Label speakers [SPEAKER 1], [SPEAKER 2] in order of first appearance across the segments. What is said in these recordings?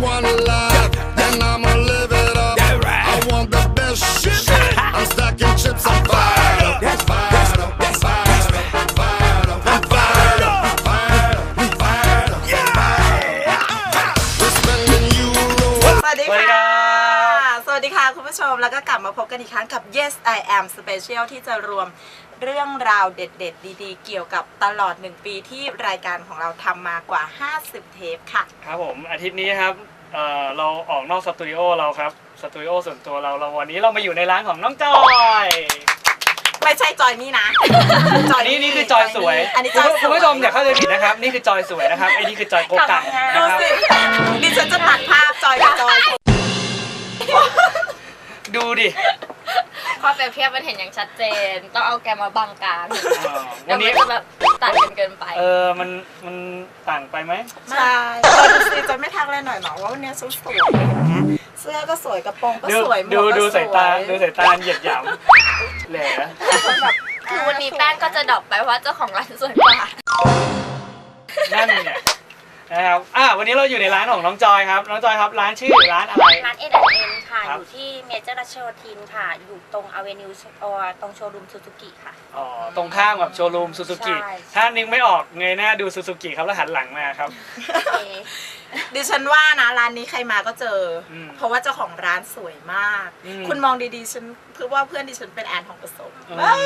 [SPEAKER 1] one life, then I'ma live it up. I want the best shit. I'm stacking chips, I'm fired up. Fired up, fired up, fired up, I'm fired up, fired up, fired up, fired up. We're spending euros.
[SPEAKER 2] สวัสดีค่ะ สวัสดีค่ะคุณผู้ชมแล้วก็กลับมาพบกันอีกครั้งกับ Yes I Am Special ที่จะรวมเรื่องราวเด็ดๆดีๆเกี่ยวกับตลอด1ปีที่รายการของเราทำมากว่า50เทปค่ะ
[SPEAKER 3] ครับผมอาทิตย์นี้ครับเราออกนอกสตูดิโอเราครับสตูดิโอส่วนตัวเราวันนี้เรามาอยู่ในร้านของน้องจอย
[SPEAKER 2] ไม่ใช่จอยนี่นะ
[SPEAKER 3] จอยนี่คือจอยสวย
[SPEAKER 2] อันนี้จอย
[SPEAKER 3] คุณผู้ชมอย่าเข้าใจผิดนะครับนี่คือจอยสวยนะครับไอ้นี่คือจอยโกกังนะ
[SPEAKER 2] ดู
[SPEAKER 3] ครับ
[SPEAKER 2] สิดิฉันจะตัดภาพจอยกับจอย
[SPEAKER 3] ดูดิ
[SPEAKER 4] ความเปรียบเทียบมันเห็นอย่างชัดเจนต้องเอาแกมาบังกลาง
[SPEAKER 3] วันนี้
[SPEAKER 4] จะแบบตัดกันเกินไป
[SPEAKER 3] มันต่างไปไหม
[SPEAKER 2] ใช่ดูสิจอยไม่ทักเลยหน่อยหรอว่าวันนี้ชุดสวยเสื้อก็สวยกระโปรงก็สวยหมวกก็สวย
[SPEAKER 3] ดูสายตาเหยียดหยามแหละ
[SPEAKER 4] คือวันนี้แป้งก็จะดรอปไปเพราะเจ้าของร้านสวยกว่า
[SPEAKER 3] นั่นเนี่ยนะครับวันนี้เราอยู่ในร้านของน้องจอยครับน้องจอยครับร้านชื่อร้านอะไร
[SPEAKER 5] ร้าน N&N ค่ะอยู่ที่เมเจอร์รัชโยธินค่ะอยู่ตรงอเวนิวตรงโชว์รูมซูซูกิค่ะ
[SPEAKER 3] ตรงข้ามกับโชว์รูมซูซูกิถ้านึกไม่ออกเงยหน้าดูซูซูกิครับแล้วหันหลังมาครับ
[SPEAKER 2] ดิฉันว่านะร้านนี้ใครมาก็เจอเพราะว่าเจ้าของร้านสวยมากคุณมองดีๆฉันเพื่อว่าเพื่อนดิฉันเป็นแอนทองผสม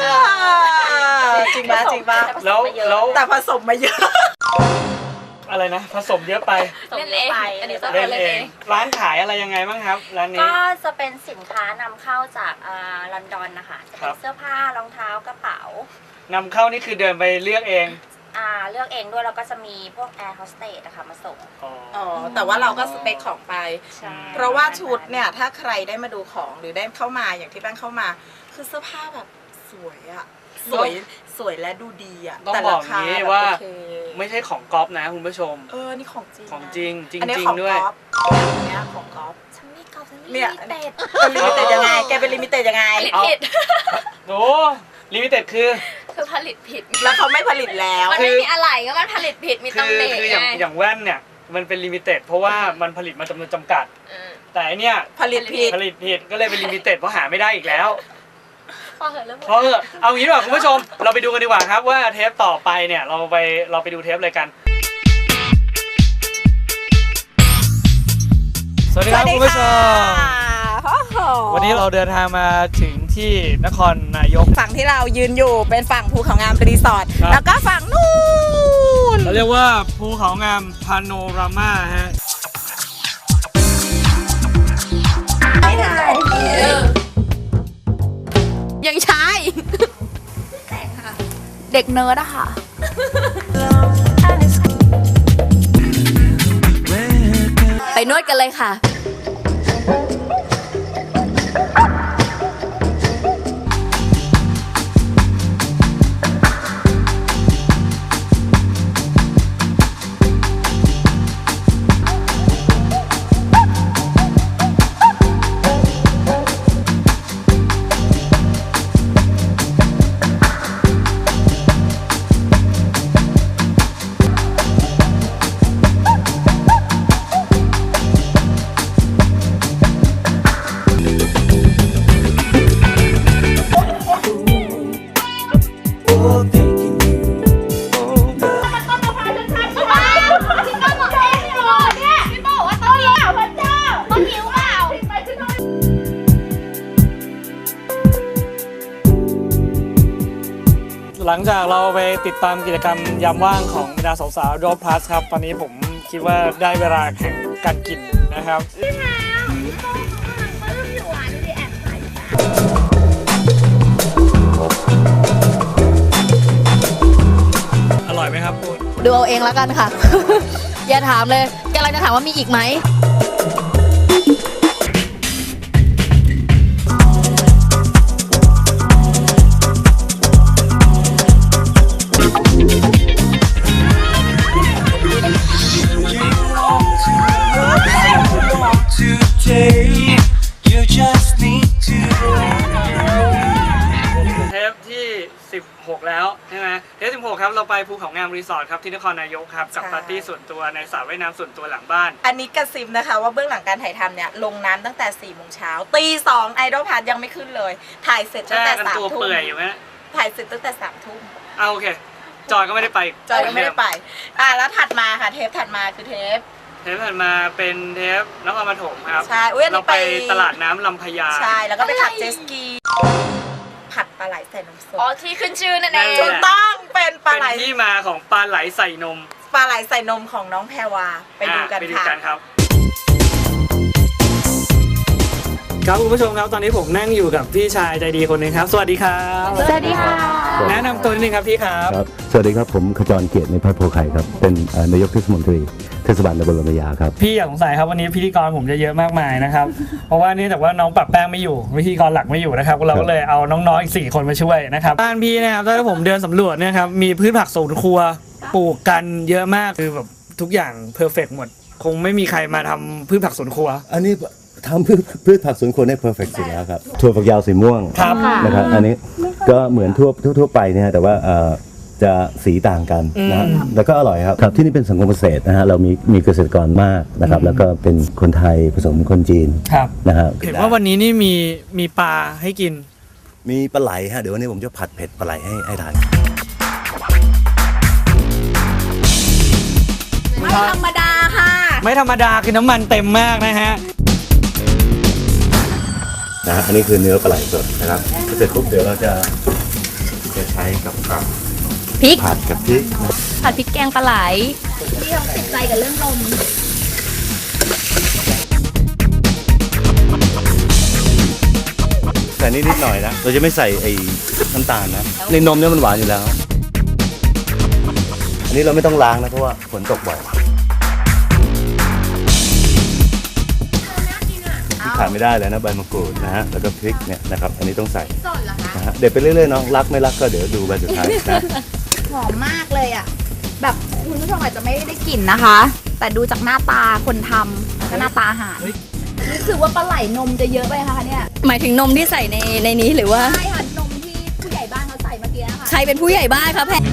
[SPEAKER 2] จริงป่ะจริงป่ะ
[SPEAKER 3] แล้ว
[SPEAKER 2] แต่ผสมมาเยอะ
[SPEAKER 3] อะไรนะผสมเยอะไป
[SPEAKER 4] เล่นเองอันนี้ต้อง
[SPEAKER 3] เล่นเองร้านขายอะไรยังไงบ้างครับร้านนี้
[SPEAKER 5] ก็จะเป็นสินค้านำเข้าจากลอนดอนนะคะจะเป็นเสื้อผ้ารองเท้ากระเป๋าน
[SPEAKER 3] ำเข้านี่คือเดินไปเลือกเอง
[SPEAKER 5] เลือกเองด้วยแล้วก็จะมีพวกแอร์โฮสเตสนะคะมาส่ง
[SPEAKER 2] แต่ว่าเราก็สเปคของไปเพราะว่าชุดเนี่ยถ้าใครได้มาดูของหรือได้เข้ามาอย่างที่แป้งเข้ามาคือเสื้อผ้าแบบสวยอะสวยและดูดีอะ
[SPEAKER 3] ต้องบอกนี้ว่าไม่ใช่ของก๊อฟนะคุณผู้ชม
[SPEAKER 2] นี่ของจริง
[SPEAKER 3] ของจริงจริง
[SPEAKER 2] ด้วยอันนี้ของก๊อฟ
[SPEAKER 5] ฉันไม่ก๊อฟฉันลิ
[SPEAKER 2] มิ
[SPEAKER 5] เต็ด
[SPEAKER 2] ลิมิเต็ดยังไงแกเป็นลิมิเต็ดยังไง
[SPEAKER 4] ผิด
[SPEAKER 3] โอ้ลิมิเต็ดคือ
[SPEAKER 4] ผลิตผิด
[SPEAKER 2] แล้วเขาไม่ผลิตแล้ว
[SPEAKER 4] มันไม่มีอะไรก็มันผลิตผิดมีตำหนิ
[SPEAKER 3] คืออย่างแว่นเนี่ยมันเป็นลิมิเต็ดเพราะว่ามันผลิตมาจำนวนจำกัดแต่อันเนี้ย
[SPEAKER 2] ผลิตผิด
[SPEAKER 3] ก็เลยเป็นลิมิเต็ดเพราะหาไม่ได้อีกแล้ว
[SPEAKER 4] พอเหอะ
[SPEAKER 3] เอางี้ดีกว่าคุณผู้ชมเราไปดูกันดีกว่าครับว่าเทปต่อไปเนี่ยเราไปดูเทปเลยกันสวัสดีครับคุณผู้ชมวันนี้เราเดินทางมาถึงที่นครนายก
[SPEAKER 2] ฝั่งที่เรายืนอยู่เป็นฝั่งภูเขางามรีสอร์ทแล้วก็ฝั่งนู้น
[SPEAKER 3] เราเรียกว่าภูเขางามพาโนรามาฮะ
[SPEAKER 2] ไม่ได้
[SPEAKER 4] ยังชายเด็กเนิร์ดอะค่ะไปนวดกันเลยค่ะ
[SPEAKER 3] หลังจากเราไปติดตามกิจกรรมยามว่างของบรรดาสาวๆโดพลัสครับตอนนี้ผมคิดว่าได้เวลาแข่งการกินนะครับอร่อยไหมครับคุณ
[SPEAKER 4] ดูเอาเองแล้วกันค่ะ อย่าถามเลยกำลังจะถามว่ามีอีกไหม
[SPEAKER 3] เทปที่16แล้วใช่ไหมเทป16ครับครับเราไปภูเขางามรีสอร์ทครับที่นครนายกครับกับปาร์ตี้ส่วนตัวในสระว่ายน้ำส่วนตัวหลังบ้าน
[SPEAKER 2] อันนี้กระซิบนะคะว่าเบื้องหลังการถ่ายทำเนี่ยลงน้ำตั้งแต่4 โมงเช้าตี 2ไอดอลพาร์ทยังไม่ขึ้นเลยถ่ายเสร็จตั้งแต่
[SPEAKER 3] กันตัว
[SPEAKER 2] 3 ทุ่ม
[SPEAKER 3] เปื่อยอยู่ไหม
[SPEAKER 2] ถ่ายเสร็จตั้งแต่3 ทุ่ม
[SPEAKER 3] เอาโอเคจอยก็ไม่ได้ไป
[SPEAKER 2] จอยก็ไม่ได้ไปแล้วถัดมาค่ะเทปถัดมาคือเทป
[SPEAKER 3] เทปถัดมาเป็นเทปนครปฐมครับ
[SPEAKER 2] ใช่อุ๊ยอันนี้
[SPEAKER 3] เราไป
[SPEAKER 2] ไป
[SPEAKER 3] ตลาดน้ำลำพญา
[SPEAKER 2] ใช่แล้วก็ไปขับเจตสกีผัดปลาไหลใส่นมสด
[SPEAKER 4] อ๋อที่ขึ้นชื่อนั่นเอง
[SPEAKER 2] ถูกต้องเป็นปลา
[SPEAKER 3] เป็น
[SPEAKER 2] ไหล
[SPEAKER 3] ที่มาของปลาไหลใส่นม
[SPEAKER 2] ปลาไหลใส่นมของน้องแพรวาไปดูกัน
[SPEAKER 3] ไปดู
[SPEAKER 2] ค่ะ
[SPEAKER 3] กันครับครับคุณผู้ชมครับตอนนี้ผมนั่งอยู่กับพี่ชายใจดีคนหนึงครับ สวัสดีครับ
[SPEAKER 5] สวัสดีค่ะ
[SPEAKER 3] แนะนำตัวนิดนึงครับพี่ครับ
[SPEAKER 6] ครับสวัสดีครับผมขจรเกียรติในพัฒน์โพไข่ครับเป็นนายกเทศมนตรีเทศบาลตำบลลำพญาครับ
[SPEAKER 3] พี่อย่าสงสัยครับวันนี้พิธีกรผมจะเยอะมากมายนะครับ เพราะว่าเนื่องจากว่าน้องปรับแป้งไม่อยู่พิธีกรหลักไม่อยู่นะครับเราก็เลยเอาน้องๆอีก4 คนมาช่วยนะครับบ้านพี่นะครับถ้าผมเดินสำรวจเนะครับมีพืชผักสวนครัวปลูกกันเยอะมากคือแบบทุกอย่างเพอร์เฟกต์หมด คงไม่มีใครมาทำพืชผักสวนครัว
[SPEAKER 6] อันนี้ทำพืชผักสวนครัวได้เพอร์เฟกต์สุดแล้วครับถั่วฝักยาวสีม่วง
[SPEAKER 3] ครับ
[SPEAKER 6] นะครับอันนี้ก็เหมือนทั่วไปเนี่ยแต่ว่าจะสีต่างกันนะฮะแล้วก็อร่อยครับครับที่นี่เป็นสังคมเกษตรนะฮะเรามีเกษตรกรมากนะครับแล้วก็เป็นคนไทยผสมคนจีน
[SPEAKER 3] ครับ
[SPEAKER 6] นะครับ
[SPEAKER 3] เห็นว่าวันนี้นี่มีปลาให้กิน
[SPEAKER 6] มีปลาไหลฮะเดี๋ยววันนี้ผมจะผัดเผ็ดปลาไหลให้ทาน
[SPEAKER 2] ไม่ธรรมดาค่ะ
[SPEAKER 3] ไม่ธรรมดาคือน้ำมันเต็มมากนะฮะ
[SPEAKER 6] นะฮะอันนี้คือเนื้อปลาไหลสดนะครับเสร็จปุ๊บเดี๋ยวเราจะใช้กับ
[SPEAKER 4] พริก
[SPEAKER 6] ผัดกับพริก
[SPEAKER 4] ผัดพริกแกงปลาไหลที่ต้องติดใจกับเรื่องนม
[SPEAKER 6] ใส่นิดหน่อยนะเราจะไม่ใส่ไอ้น้ำตาลนะในนมเนี่ยมันหวานอยู่แล้ว อันนี้เราไม่ต้องล้างนะเพราะว่าฝนตกบ่อยที่ขาดไม่ได้เลยนะใบมะกรูดนะฮะแล้วก็พริกเนี่ยนะครับอันนี้ต้องใส่นะฮะเด็ดไปเรื่อยๆน้องรักไม่รักก็เดี๋ยวดูใบสุดท้ายนะ
[SPEAKER 7] หอมมากเลยอ่ะ แบบคุณผู้ชมอาจจะไม่ได้กลิ่นนะคะ แต่ดูจากหน้าตาคนทำแล้วก็หน้าตาอาหารรู้สึกว่าปลาไหลนมจะเยอะไปค่ะเนี่ย
[SPEAKER 4] หมายถึงนมที่ใส่ในนี้หรือว่า
[SPEAKER 7] ใช่ค่ะนมที่ผู้ใหญ่บ้านเขาใส่เมื่อกี้นะคะ
[SPEAKER 4] ใครเป็นผู้ใหญ่บ้านคะแพท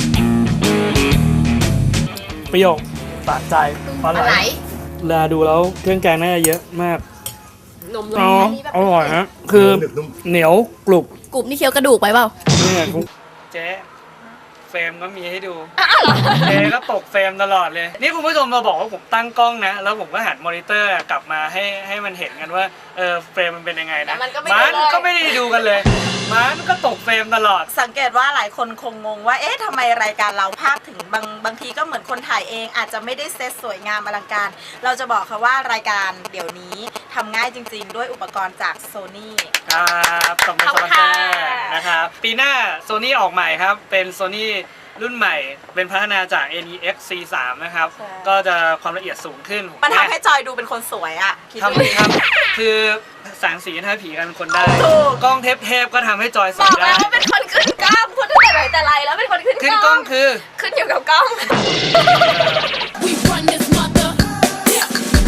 [SPEAKER 3] ประโยคสะใจปลาไหลเวลาดูแล้วเครื่องแกงน่าจะเยอะมาก
[SPEAKER 4] นม
[SPEAKER 3] อ๋ออร่อยฮะคือเหนียวกรุบ
[SPEAKER 4] กรุบนี่เคี้ยวกระดูกไปเปล่า
[SPEAKER 3] เนี่ยเจ๊เฟรมก็มีให้ดูเจ๊ก็ตกเฟรมตลอดเลย นี่คุณผู้ชมมาบอกว่าผมตั้งกล้องนะ แล้วผมก็หันมอนิเตอร์กลับมาให้มันเห็นกันว่าเฟรมมันเป็นยังไงนะ
[SPEAKER 4] แต่มันก็ไม่
[SPEAKER 3] มัน
[SPEAKER 4] ดูเลย
[SPEAKER 3] ก็ไม่ได้ดูกันเลยมันก็ตกเฟรมตลอด
[SPEAKER 2] สังเกตว่าหลายคนคงงงว่าเอ๊ะทำไมรายการเราภาพถึงบางทีก็เหมือนคนถ่ายเอง อาจจะไม่ได้เซตสวยงามอลังการ เราจะบอกค่ะว่ารายการเดี๋ยวนี้ทำง่ายจริงๆ ด้วยอุปกรณ์จาก Sony
[SPEAKER 3] ครับขอบคุณสปอนเซอร์นะครับปีหน้า Sony ออกใหม่ครับเป็น Sony รุ่นใหม่เป็นพัฒนาจาก NEX C3 นะครับ
[SPEAKER 2] ใช่
[SPEAKER 3] ก็จะความละเอียดสูงขึ้น
[SPEAKER 2] มันทำให้จอยดูเป็นคนสวยอ่ะคิดดูดิ
[SPEAKER 3] ทำคือแสงสีทำให้ผีกันคนได้
[SPEAKER 2] ถูก
[SPEAKER 3] กล้องเทปก็ทำให้จอยส
[SPEAKER 4] บ
[SPEAKER 3] ว
[SPEAKER 4] อย ก
[SPEAKER 3] ได้
[SPEAKER 4] แล้วว่าเป็นคนขึ้นกล้องคนตั้งแต่ไหนแต่ไรแล้วเป็นคนขึ้น
[SPEAKER 3] ขึ้น
[SPEAKER 4] ก
[SPEAKER 3] ก
[SPEAKER 4] ล้
[SPEAKER 3] ล้
[SPEAKER 4] อ
[SPEAKER 3] อง งคือ
[SPEAKER 4] ขึ้นอยู่กับกล้อง
[SPEAKER 8] We run this mother. Yeah.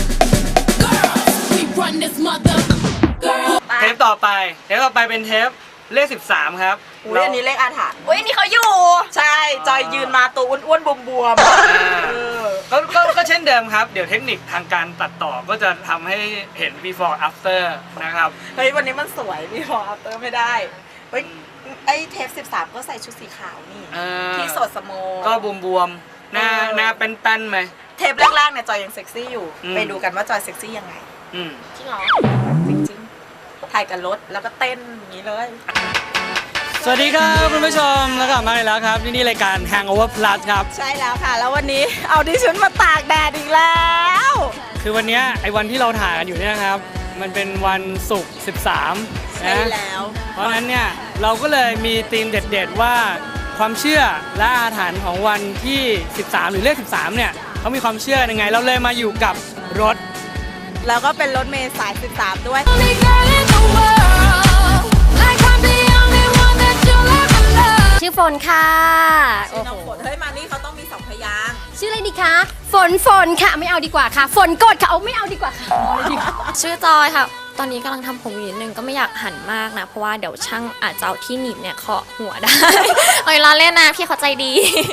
[SPEAKER 8] Girls, we run this mother. Girls.
[SPEAKER 3] เทปต่อไปเป็นเทปเลข13ครับ
[SPEAKER 2] อุ้ยอันนี้เลขอาถรรพ์
[SPEAKER 4] อุ้ยนี่เขาอยู่
[SPEAKER 2] ใช่จอยยืนมาตัวอ้วนๆบวม
[SPEAKER 3] ก็เช่นเดิมครับ เดี๋ยวเทคนิคทางการตัดต่อก็จะทำให้เห็น before after นะครับ
[SPEAKER 2] เฮ้ยวันนี้มันสวยพี่พออัพเตอร์ไม่ได้เฮ้ยไอ้เทป13ก็ใส่ชุดสีขาวนี่ ที่สดสโม
[SPEAKER 3] ก็บวมๆหน้าเป็นแป้นๆไหม
[SPEAKER 2] เทปแรกๆเนี่ยจอยยังเซ็กซี่อยู่ ไปดูกันว่าจอยเซ็กซี่ยังไง
[SPEAKER 3] อืม
[SPEAKER 4] จริงเหรอ
[SPEAKER 2] จริงๆถ่ายกับรถแล้วก็เต้นอย่างนี้เลย
[SPEAKER 3] สวัสดีครับคุณผู้ชมแล้วกลับมาอีกแล้วครับนี่รายการ Hangover Plus ครับ
[SPEAKER 2] ใช่แล้วค่ะ แล้ววันนี้เอาดิฉันมาตากแดดอีกแล้ว
[SPEAKER 3] คือวันเนี้ยไอ้วันที่เราถ่ายกันอยู่เนี่ยนะครับ มันเป็นวันศุกร์13
[SPEAKER 2] ใช่
[SPEAKER 3] นะ
[SPEAKER 2] แล้ว
[SPEAKER 3] เพราะฉะนั้นเนี่ยเราก็เลยมีธีมเด็ดๆว่าความเชื่อและอาถรรพ์ของวันที่ 13 หรือเลข 13 เนี่ยเขามีความเชื่อยังไง เราเลยมาอยู่กับรถ
[SPEAKER 2] แล้วก็เป็นรถเมล์สาย13ด้วย
[SPEAKER 8] Only girl in the world. Like I'm the only one that you'll ever love.
[SPEAKER 5] ชื่อฝนค่ะ
[SPEAKER 2] ชื่อน้องฝนเฮ้ยมานี่เขาต้องมี2 พยางค์
[SPEAKER 5] ชื่ออะไรดีคะ ฝนค่ะ ไม่เอาดีกว่าค่ะ ฝนกดค่ะ เอาไม่เอาดีกว่าค่ะ ชื่อจอยค่ะ
[SPEAKER 4] ตอนนี้กำลังทำผมอยู่นิดนึงก็ไม่อยากหันมากนะเพราะว่าเดี๋ยวช่างอาจจะเอาที่หนีบเนี่ยเคาะหัวได้ เอาเวลาเล่นนะพี่เขาใจดี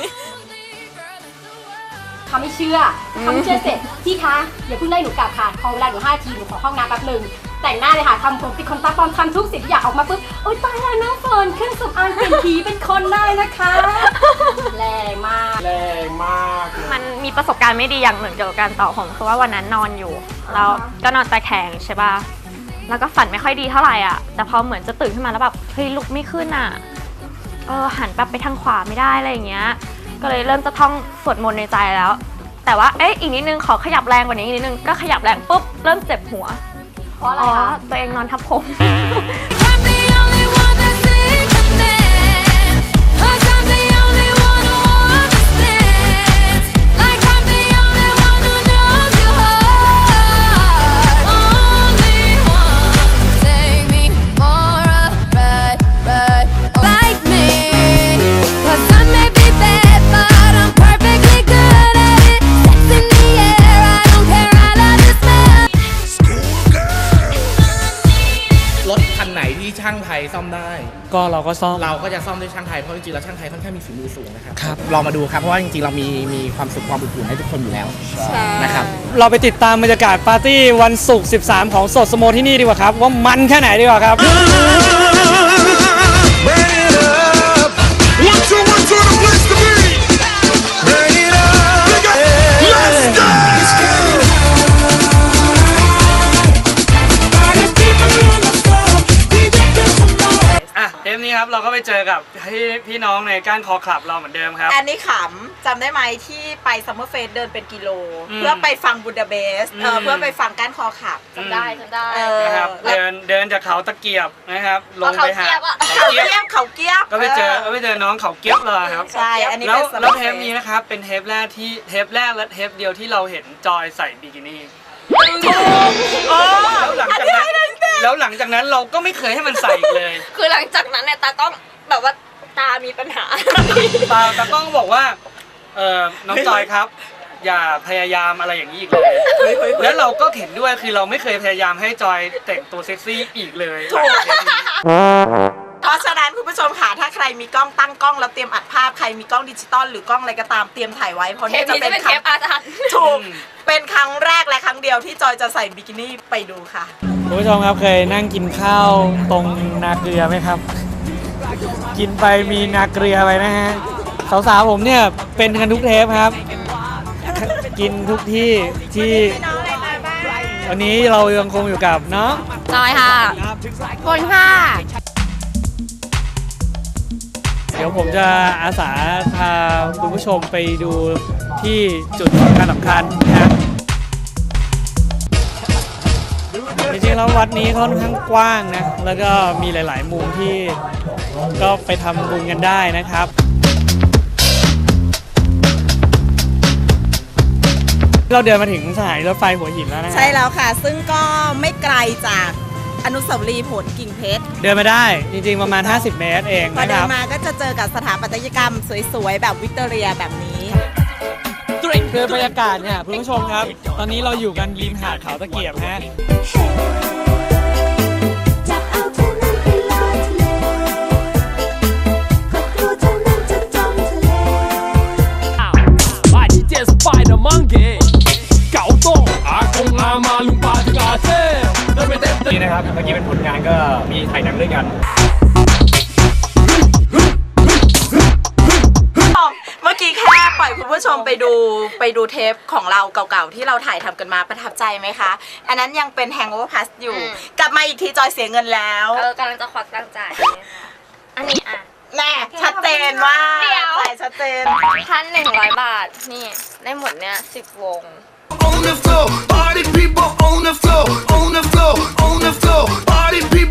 [SPEAKER 9] เขาไม่เชื่อเสร็จพี่คะอย่าเพิ่งไล่หนูกลับค่ะขอเวลาหนู5 นาทีหนูขอเข้าห้องน้ำแป๊บนึงแต่งหน้าเลยค่ะทำผมติดขนตาปลอมทำทุกสิ่งที่อยากออกมาปุ๊บโอ๊ยตายแล้วน้องเฟิร์นเครื่องสำอางเปลี่ยนผีเป็นคนได้นะคะแรงมาก
[SPEAKER 4] มันมีประสบการณ์ไม่ดีอย่างหนึ่งเกี่ยวกับการต่อผมคือว่าวันนั้นนอนอยู่แล้วก็นอนตะแคงใช่ป่ะแล้วก็ฝันไม่ค่อยดีเท่าไหร่อ่ะแต่พอเหมือนจะตื่นขึ้นมาแล้วแบบเฮ้ยลุกไม่ขึ้นอ่ะหันแบบไปทางขวาไม่ได้อะไรอย่างเงี้ยก็เลยเริ่มจะท่องสวดมนต์ในใจแล้วแต่ว่าอีกนิดนึงขอขยับแรงกว่านี้อีกนิดนึงก็ขยับแรงปุ๊บเริ่มเจ็บหัว
[SPEAKER 9] เพราะอะไรคะ
[SPEAKER 4] ตัวเองนอนทับผม
[SPEAKER 8] I'm the only one that sees the man. 'Cause I'm the only one who understands. Like I'm the only one who knows your heart. Only one to take me for a ride. Like me. 'Cause I may be bad, but I'm perfectly good at it. Sex in the air, I don't care, I love the smell.
[SPEAKER 10] รถคันไหนที่ช่างไทยซ่อมได้
[SPEAKER 3] ก็เราก็ซ่อม
[SPEAKER 10] เราก็จะซ่อมด้วยช่างไทยเพราะจริงๆแล้วช่างไทยค่อนข้างมีฝีมือสูงนะครับ
[SPEAKER 3] ครับ
[SPEAKER 10] ลองมาดูครับเพราะว่าจริงๆเรามีความสุขความอบอุ่นให้ทุกคนอยู่แล้วนะครับ
[SPEAKER 3] เราไปติดตามบรรยากาศปาร์ตี้วันศุกร์ 13 ของสดสโมที่นี่ดีกว่าครับ ว่ามันแค่ไหนดีกว่าครับ
[SPEAKER 1] Burn it up. 1, 2, 1, 2, the place to be. Burn it up. Let's go.
[SPEAKER 3] อ่ะเทปนี้ครับเราก็ไปเจอกับพี่น้องในก้านคอคลับเราเหมือนเดิมครับ
[SPEAKER 2] อันนี้ขำจำได้ไหมที่ไปซัมเมอร์เฟสเดินเป็นกิโล
[SPEAKER 3] อืม
[SPEAKER 2] เพื่อไปฟังบูดาเปสต์
[SPEAKER 3] อืม
[SPEAKER 2] เพื่อไปฟังก้านคอขับ
[SPEAKER 4] จำได้
[SPEAKER 3] นะครับ
[SPEAKER 2] แล้ว
[SPEAKER 3] เดินจากเขาตะเกียบนะครับลงไปหา
[SPEAKER 2] เขาเกียบเขาเกียบ
[SPEAKER 3] ก็ไปเจอน้องเขาเกียบเลยครับ
[SPEAKER 2] ใช่อันนี้
[SPEAKER 3] แล้ว
[SPEAKER 2] เป็น
[SPEAKER 3] แล้วเทปนี้นะครับเป็นเทปแรกและเทปเดียวที่เราเห็นจอยใส่บิกินี่แล้วหลังจากนั้นเราก็ไม่เคยให้มันใส่อีกเลย
[SPEAKER 4] คือหลังจากนั้นเนี่ยตากล้องแบบว่าตามีปัญหา
[SPEAKER 3] ตากล้องบอกว่าน้องจอยครับ อย่าพยายามอะไรอย่างนี้อีกเลย แล้วเราก็เห็นด้วยคือเราไม่เคยพยายามให้จอยแต่งตัวเซ็กซี่อีกเลย
[SPEAKER 2] ถูก เพราะฉะนั้นคุณผู้ชมค่ะถ้าใครมีกล้องตั้งกล้องแล้วเตรียมอัดภาพใครมีกล้องดิจิตอลหรือกล้องอะไรก็ตามเตรียมถ่ายไว้เพราะ
[SPEAKER 4] เท
[SPEAKER 2] นี่
[SPEAKER 4] ป
[SPEAKER 2] จะ
[SPEAKER 4] นี้
[SPEAKER 2] เป็
[SPEAKER 4] จะ
[SPEAKER 2] น
[SPEAKER 4] เป็น
[SPEAKER 2] ค
[SPEAKER 4] เท
[SPEAKER 2] รั้
[SPEAKER 4] ป
[SPEAKER 2] ง
[SPEAKER 4] อาถรรพ์
[SPEAKER 2] ถูกเป็นครั้งแรกและครั้งเดียวที่จอยจะใส่บิกินี่ไปดูค่ะ
[SPEAKER 3] คุณผู้ชมครับเคยนั่งกินข้าวตรงนาเกลือไหมครับ กินไปมีนาเกลือไปนะฮะสาวๆผมเนี่ยเป็นกันทุกเทปครับ กินทุกที่วันนี้เรายังคงอยู่กับน้อง
[SPEAKER 4] จอยค่ะ
[SPEAKER 7] คนค่ะ
[SPEAKER 3] เดี๋ยวผมจะอาสาพาคุณผู้ชมไปดูที่จุดสำคัญนะครับจริงๆแล้ววัดนี้ค่อนข้างกว้างนะแล้วก็มีหลายๆมุมที่ก็ไปทำบุญกันได้นะครับเราเดินมาถึงสถานีรถไฟหัวหินแล้วนะ
[SPEAKER 2] ใช่แล้วค่ะ ซึ่งก็ไม่ไกลจากอนุสาวรีย์ผลกิ่งเพชร
[SPEAKER 3] เดินมาได้จริงๆประมาณ50 เมตรเอง
[SPEAKER 2] พอ
[SPEAKER 3] นะค
[SPEAKER 2] เดิ
[SPEAKER 3] รั
[SPEAKER 2] น
[SPEAKER 3] บ
[SPEAKER 2] มาก็จะเจอกับสถาปัตยกรรมสวยๆแบบวิกตอเรียแบบนี้
[SPEAKER 3] คือบรรยากาศเนี่ยคุณผู้ชมครับ ตอนนี้เราอยู่กันริมหาดเขาตะเกียบฮะ
[SPEAKER 8] จับเอาเธอนั้นไปลอยทะเลก็กลัวเธอนั้นจะจมทะเล
[SPEAKER 11] Vai DJ Spider Monkey เก่าโต้อากงอามาลุงปาจิกาเซ่นี่นะครับเมื่อกี้เป็นผลงานก็มีถ่ายหนังด้วยกัน
[SPEAKER 2] เมื่อกี้แค่ปล่อยคุณผู้ชมไปดูเทปของเราเก่าๆที่เราถ่ายทำกันมาประทับใจไหมคะ อันนั้นยังเป็น Hangover Pass อยู่ กลับมาอีกทีจอยเสียเงินแล้ว
[SPEAKER 4] กำลังจะควักตังค์จ่ายอันนี้อ่ะ
[SPEAKER 2] แน่ชัดเจนว่า
[SPEAKER 4] เดี๋ยว
[SPEAKER 2] จ่ายชัดเจน
[SPEAKER 4] 1,100 บาท นี่ได้หมดเนี่ย10 วง
[SPEAKER 1] On the floor, party people on the floor, on the floor, on the floor, party people.